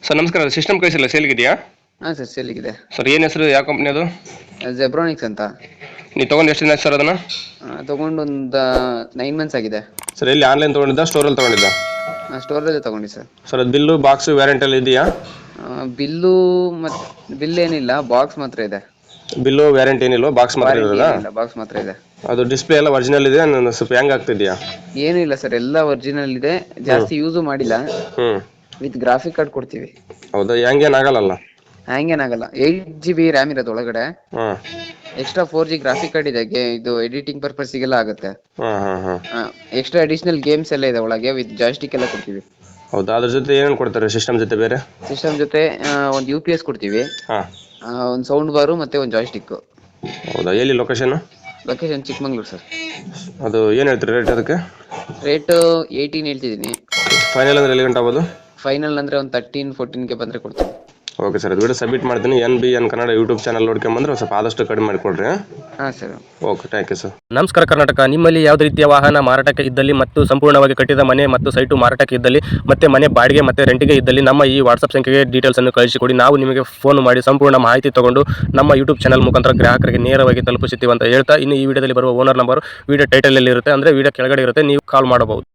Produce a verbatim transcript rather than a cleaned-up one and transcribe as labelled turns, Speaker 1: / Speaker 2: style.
Speaker 1: Sir ನಮಸ್ಕಾರ, system ಕಳಿಸಿಲ್ಲ ಸೇಲ್ಗಿದೆಯಾ?
Speaker 2: ಹಾಂ sir, ಸೇಲಿಗಿದೆ.
Speaker 1: Sir ಏನು ಹೆಸರು, ಯಾವ ಕಂಪ್ನಿ ಅದು?
Speaker 2: ಜೆಬ್ರಾನಿಕ್ಸ್ ಅಂತ.
Speaker 1: ನೀವು ತೊಗೊಂಡು ಎಷ್ಟು ದಿನ ಆಯ್ತು ಸರ್ ಅದನ್ನು?
Speaker 2: ತೊಗೊಂಡು ಒಂದು ನೈನ್ ಮಂತ್ಸ್ ಆಗಿದೆ.
Speaker 1: ಸರ್ ಎಲ್ಲಿ ಆನ್ಲೈನ್ ತೊಗೊಂಡಿದ್ದ, ಸ್ಟೋರಲ್ಲಿ ತೊಗೊಂಡಿದ್ದ?
Speaker 2: ಸ್ಟೋರಲ್ಲೇ ತೊಗೊಂಡು ಸರ್.
Speaker 1: ಸರ್ ಅದು ಬಿಲ್ಲು ಬಾಕ್ಸು ವ್ಯಾರಂಟಿ ಎಲ್ಲ ಇದೆಯಾ?
Speaker 2: ಬಿಲ್ಲು ಮತ್ತು ಬಿಲ್ ಏನಿಲ್ಲ, ಬಾಕ್ಸ್ ಮಾತ್ರ ಇದೆ.
Speaker 1: ಬಿಲ್ಲು ವ್ಯಾರಂಟಿ ಏನಿಲ್ಲ, ಬಾಕ್ಸ್ ಮಾತ್ರ ಇರೋದಾ?
Speaker 2: ಬಾಕ್ಸ್ ಮಾತ್ರ ಇದೆ.
Speaker 1: ಅದು ಡಿಸ್ಪ್ಲೇ ಎಲ್ಲ ಒರಿಜಿನಲ್ ಇದೆ, ನಾನು ಸ್ವಲ್ಪ ಹ್ಯಾಂಗ್ ಆಗ್ತಿದೆಯಾ?
Speaker 2: ಏನೂ ಇಲ್ಲ ಸರ್, ಎಲ್ಲ ಒರಿಜಿನಲ್ ಇದೆ. ಜಾಸ್ತಿ ಯೂಸು ಮಾಡಿಲ್ಲ.
Speaker 1: ಹ್ಞೂ
Speaker 2: ವಿತ್ ಗ್ರಾಫಿಕ್ ಕಾರ್ಡ್ ಕೊಡ್ತೀವಿ.
Speaker 1: ಹೌದಾ? ಹ್ಯಾಂಗ್ ಏನು ಆಗಲ್ಲ?
Speaker 2: ಹ್ಯಾಂಗ್ ಏನಾಗಲ್ಲ. ಏಯ್ಟ್ ಜಿ ಬಿ ರ್ಯಾಮ್ ಇರೋದು ಒಳಗಡೆ.
Speaker 1: ಹಾಂ.
Speaker 2: Extra four G graphic card ಇದೆ. ಇದು ಎಡಿಟಿಂಗ್ ಪರ್ಪಸ್ಗೆಲ್ಲ ಆಗುತ್ತೆ.
Speaker 1: ಹಾಂ ಹಾಂ ಹಾಂ.
Speaker 2: ಎಕ್ಸ್ಟ್ರಾ ಅಡಿಷನಲ್ ಗೇಮ್ಸ್ ಎಲ್ಲ ಇದೆ ಒಳಗೆ, ವಿತ್ ಜಾಯ್ಸ್ಟಿಕ್ ಎಲ್ಲ ಕೊಡ್ತೀವಿ.
Speaker 1: ಹೌದಾ? ಅದ್ರ ಜೊತೆ ಏನೇನು ಕೊಡ್ತಾರೆ ಸಿಸ್ಟಮ್ ಜೊತೆ ಬೇರೆ?
Speaker 2: ಸಿಸ್ಟಮ್ ಜೊತೆ ಒಂದು ಯು ಪಿ ಎಸ್ ಕೊಡ್ತೀವಿ.
Speaker 1: ಹಾಂ.
Speaker 2: ಒಂದು ಸೌಂಡ್ ಬಾರು ಮತ್ತೆ ಒಂದು ಜಾಯ್ಸ್ಟಿಕ್.
Speaker 1: ಹೌದಾ? ಎಲ್ಲಿ ಲೊಕೇಶನ್?
Speaker 2: Location Chikmagalur sir.
Speaker 1: ಅದು ಏನು ಹೇಳ್ತೀರಿ ರೇಟ್ ಅದಕ್ಕೆ?
Speaker 2: ರೇಟ್ ಏಯ್ಟೀನ್ ಹೇಳ್ತಿದ್ದೀನಿ.
Speaker 1: ಫೈನಲ್ ಅಂದ್ರೆ ಎಲ್ಲಿ ಗಂಟೆ ಆಗ್ಬೋದು?
Speaker 2: ಫೈನಲ್ ಅಂದರೆ ಒಂದು ತರ್ಟೀನ್ ಫೋರ್ಟೀನ್ಗೆ ಬಂದರೆ ಕೊಡ್ತೀನಿ.
Speaker 1: ಓಕೆ ಸರ್, ಅದು ವಿಡಿಯೋ ಸಬ್ಮಿಟ್ ಮಾಡ್ತೀನಿ. N B N Kannada YouTube channel ನೋಡ್ಕೊಂಬಂದ್ರೆ ಸ್ವಲ್ಪ ಆದಷ್ಟು ಕಡಿಮೆ ಮಾಡಿಕೊಡ್ರಿ.
Speaker 2: ಹಾಂ sir.
Speaker 1: Okay, thank you sir.
Speaker 3: ನಮಸ್ಕಾರ ಕರ್ನಾಟಕ. ನಿಮ್ಮಲ್ಲಿ ಯಾವುದೇ ರೀತಿಯ ವಾಹನ ಮಾರಾಟಕ್ಕೆ ಇದ್ದಲ್ಲಿ ಮತ್ತು ಸಂಪೂರ್ಣವಾಗಿ ಕಟ್ಟಿದ ಮನೆ ಮತ್ತು ಸೈಟು ಮಾರಾಟಕ್ಕೆ ಇದ್ದಲ್ಲಿ ಮತ್ತೆ ಮನೆ ಬಾಡಿಗೆ ಮತ್ತು ರೆಂಟಿಗೆ ಇದ್ದಲ್ಲಿ ನಮ್ಮ ಈ ವಾಟ್ಸಪ್ ಸಂಖ್ಯೆಗೆ ಡೀಟೇಲ್ಸನ್ನು ಕಳಿಸಿಕೊಡಿ. ನಾವು ನಿಮಗೆ ಫೋನ್ ಮಾಡಿ ಸಂಪೂರ್ಣ ಮಾಹಿತಿ ತಗೊಂಡು ನಮ್ಮ ಯೂಟ್ಯೂಬ್ ಚಾನಲ್ ಮುಖಾಂತರ ಗ್ರಾಹಕರಿಗೆ ನೇರವಾಗಿ ತಲುಪಿಸುತ್ತೀವಿ ಅಂತ ಹೇಳ್ತಾ, ಇನ್ನು ಈ ವಿಡಿಯೋದಲ್ಲಿ ಬರುವ ಓನರ್ ನಂಬರ್ ವಿಡಿಯೋ ಟೈಟಲಲ್ಲಿ ಇರುತ್ತೆ, ಅಂದರೆ ವಿಡಿಯೋ ಕೆಳಗಡೆ ಇರುತ್ತೆ, ನೀವು ಕಾಲ್ ಮಾಡಬಹುದು.